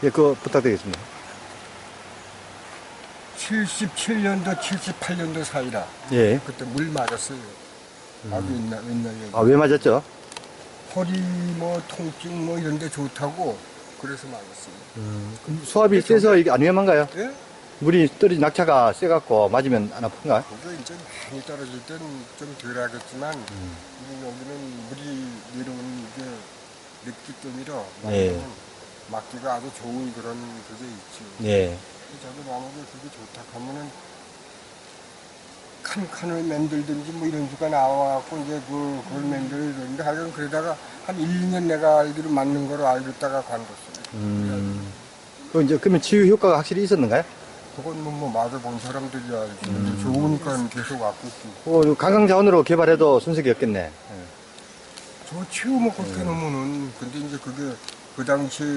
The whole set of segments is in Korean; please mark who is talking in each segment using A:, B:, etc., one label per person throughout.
A: 예, 그거 부탁드리겠습니다.
B: 77년도, 78년도 사이라.
A: 예.
B: 그때 물 맞았어요. 아주 옛날 얘기.
A: 아, 왜 맞았죠?
B: 허리 뭐 통증 뭐 이런 데 좋다고 그래서 맞았어요.
A: 그럼 수압이 세서 이게 안 위험한가요?
B: 예?
A: 물이 떨어진 낙차가 세갖고 맞으면 안 아픈가?
B: 그거 이제 많이 떨어질 때는 좀 덜 하겠지만, 여기는 물이 내려오는 게 늦기 때문이라,
A: 예.
B: 맞기가 아주 좋은 그런 그게 있죠.
A: 예.
B: 저도 만약에 그게 좋다 하면은, 칸을 만들든지 뭐 이런 수가 나와갖고, 이제 그걸 만들었는데, 하여간 그러다가 한 1, 2년 내가 알기로 맞는 거로 알겠다가 관뒀어요.
A: 그러면 치유 효과가 확실히 있었는가요?
B: 그건 뭐 맞아본 사람들이 알지. 좋으니까 계속 왔고 있고.
A: 관광자원으로 개발해도 손색이 없겠네.
B: 저 치우면 그렇게 놓으면은, 근데 이제 그게 그 당시에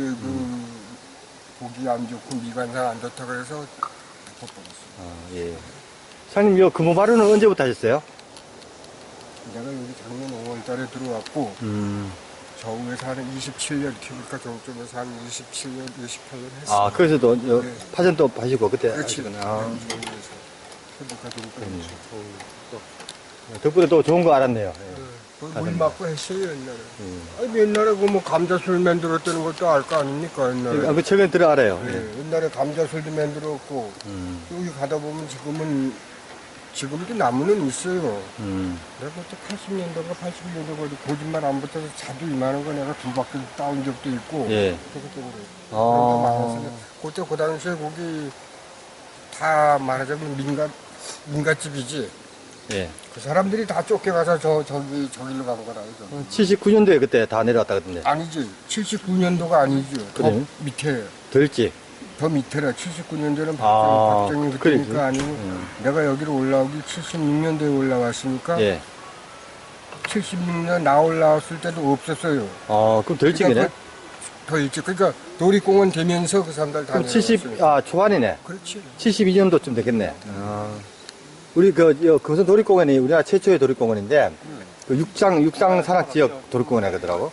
B: 보기 안 좋고 미관상 안 좋다 그래서 덮어버렸어요.
A: 아, 예. 사장님, 이 금호 마루는 언제부터 하셨어요?
B: 내가 여기 작년 5월 달에 들어왔고, 저 위에서 한 27년, 이렇게 보니까 저쪽에서 한 27년, 28년 했어요.
A: 아, 그래서도
B: 네.
A: 파전도 파시고 그때
B: 그렇지.
A: 하시구나.
B: 저 위에서. 그러니까 저기까지
A: 덕분에 또 좋은 거 알았네요.
B: 물 맞고 했어요, 옛날에. 아니, 옛날에 그 뭐 감자술 만들었다는 것도 알 거 아닙니까, 옛날에.
A: 그 최근에 들어 알아요.
B: 네, 옛날에 감자술도 만들었고, 여기 가다 보면 지금도 나무는 있어요. 내가 그때 80년도가 81년도가 거짓말 안 붙어서 자두 이만한 거 내가 두 바퀴 따온 적도 있고,
A: 예.
B: 그렇기 때문에.
A: 아.
B: 그때 그 당시에 거기 다 말하자면 민가집이지.
A: 예.
B: 그 사람들이 다 쫓겨가서 저기로 간 거라, 이거.
A: 79년도에 그때 다 내려왔다 그러던데.
B: 아니지. 79년도가 아니죠. 더
A: 그래요?
B: 밑에.
A: 덜지.
B: 더 밑에라. 79년도는
A: 아,
B: 박정희
A: 그래.
B: 그때니까 아니고 내가 여기로 올라오기 76년도에 올라왔으니까
A: 예.
B: 76년 나 올라왔을 때도 없었어요.
A: 그럼 덜지기네.
B: 그러니까 더 일찍. 그러니까 놀이공원 되면서 그 사람들 다
A: 그럼 70, 초반이네.
B: 그렇지.
A: 72년도쯤 됐겠네. 우리 금선 도립공원이 우리나라 최초의 도립공원인데, 그 육상 산악 지역 도립공원 하더라고.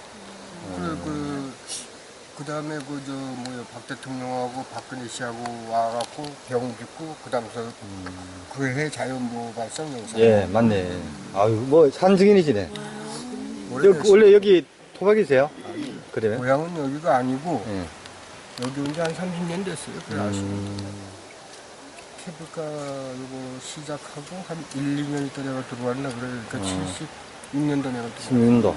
B: 그 다음에 박 대통령하고 박근혜 씨하고 와갖고 병 짓고 그 다음서 그 해 자연보호 발성 영상.
A: 예, 맞네. 아유, 뭐, 산 증인이시네.
B: 오래됐어요.
A: 원래 여기 토박이세요? 그러면?
B: 고향은 여기가 아니고
A: 예.
B: 여기 온 지 한 30년 됐어요. 그래 케이블카 요거 시작하고 한 1, 2년 있다 내가 들어왔나 그래. 그러니까 76년도 내가 들어왔어.
A: 16년도.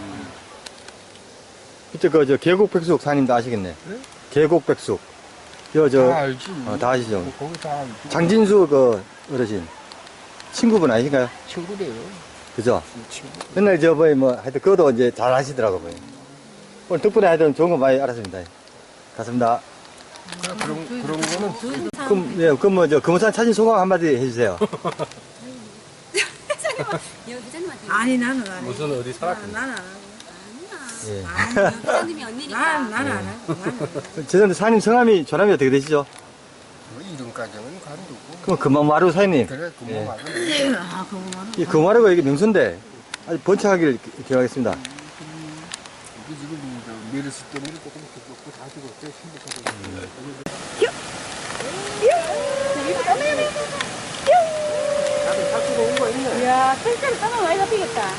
A: 그때 계곡백숙 사님도 아시겠네.
B: 네?
A: 계곡백숙.
B: 다 알지.
A: 다 아시죠?
B: 거기 다 알지.
A: 장진수 어르신. 친구분 아니신가요?
B: 친구래요.
A: 그죠?
B: 친구.
A: 맨날 하여튼 그것도 이제 잘 하시더라고, 요 오늘 덕분에 하여튼 좋은 거 많이 알았습니다. 갔습니다.
B: 그런 거는
A: 그럼 금호산 사진 소감 한마디 해주세요.
C: 아니 나는 안 해.
D: 무슨 어디 살았거든.
C: 나는 안 하고.
A: 예.
E: 부장님이 언니니까.
C: 나는 안 하고.
A: 죄송한데 사장님 성함이 조남이 어떻게 되시죠?
B: 뭐 이름까지는 간두고.
A: 그럼 금마루 사장님.
B: 그래 그뭐
A: 예.
B: 말은
C: 그거만.
A: 이 금마루가 이게 명소인데 아주 번창하길 기원하겠습니다.
B: 이게 지금 메르스 때문에 조금 죽었고 다 죽었대.
C: 야, 실제로 떠나 많이 잡히겠다.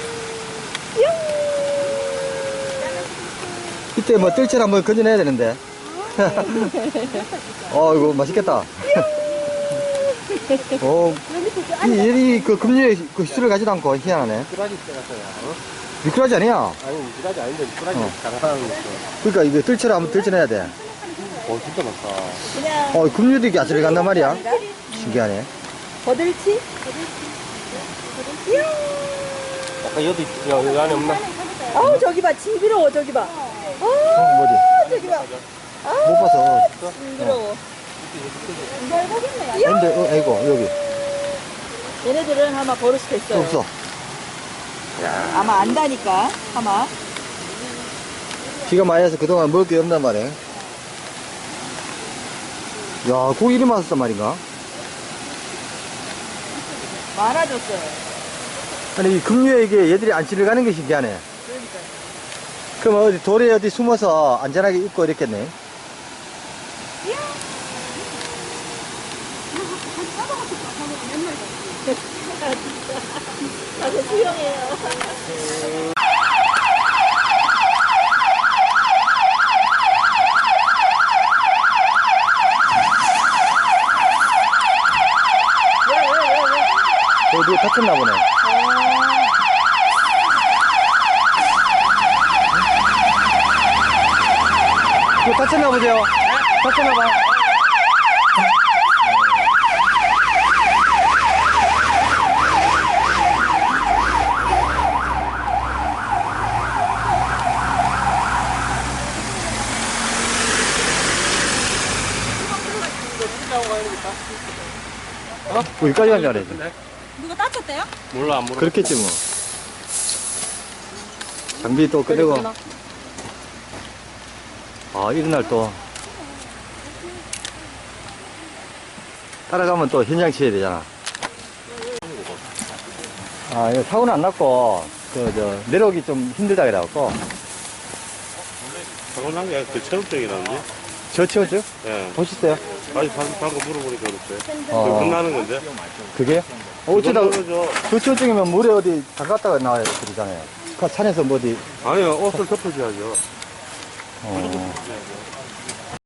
A: 이때 뜰채를 한번 건져내야 되는데. 이거 맛있겠다. 얘이 금류에 휘술을 가지도 않고 희한하네.
D: 미꾸라지 때 같아요.
A: 미꾸라지 아니야?
D: 아니, 미꾸라지 아닌데, 미꾸라지 장사하는 거.
A: 그러니까 이거 뜰채를 한번 뜰채내야 돼.
D: 진짜 많다.
A: 금류도 이렇게 아슬리 간단 말이야. 신기하네.
C: 버들치?
D: 약간 여기 안에 없나?
C: 어우, 저기 봐. 징그러워, 저기 봐.
A: 어디?
C: 저기 봐.
A: 못 봐서.
C: 징그러워.
A: 근데, 아이고, 여기.
C: 얘네들은 아마 버릇이 됐어요.
A: 없어.
C: 아마 안다니까, 아마.
A: 비가 많이 와서 그동안 먹을 게 없단 말이야. 야, 고기 이리 맛있단 말인가?
C: 많아졌어요.
A: 아니, 이 금류에 이게 얘들이 안 지나가는 게 신기하네.
C: 그러니까.
A: 그럼 돌에 어디 숨어서 안전하게 입고 이랬겠네. 누가 다쳤나 보네. 누가 다쳤나 보죠? 다쳤나 봐. 여기까지 간 줄 알았지.
C: 누가 다쳤대요?
D: 몰라, 안 몰라.
A: 그렇겠지 뭐. 장비 또 끄고. 아, 이런 날 또. 따라가면 또 현장 치야 되잖아. 아, 이거 사고는 안 났고, 내려오기 좀 힘들다 그래갖고.
D: 사고 난게 아니라 그 체력적이라는데?
A: 저 치웠죠?
D: 예.
A: 보셨어요?
D: 아니, 방금 물어보니까 그렇대.
A: 어.
D: 끝나는 건데?
A: 그게요? 어쩌다,
D: 그죠?
A: 저 치웠증이면 물에 어디 담갔다가 나와야 그러잖아요. 그 산에서 뭐 어디,
D: 아니요, 옷을 덮어줘야죠.
A: 어.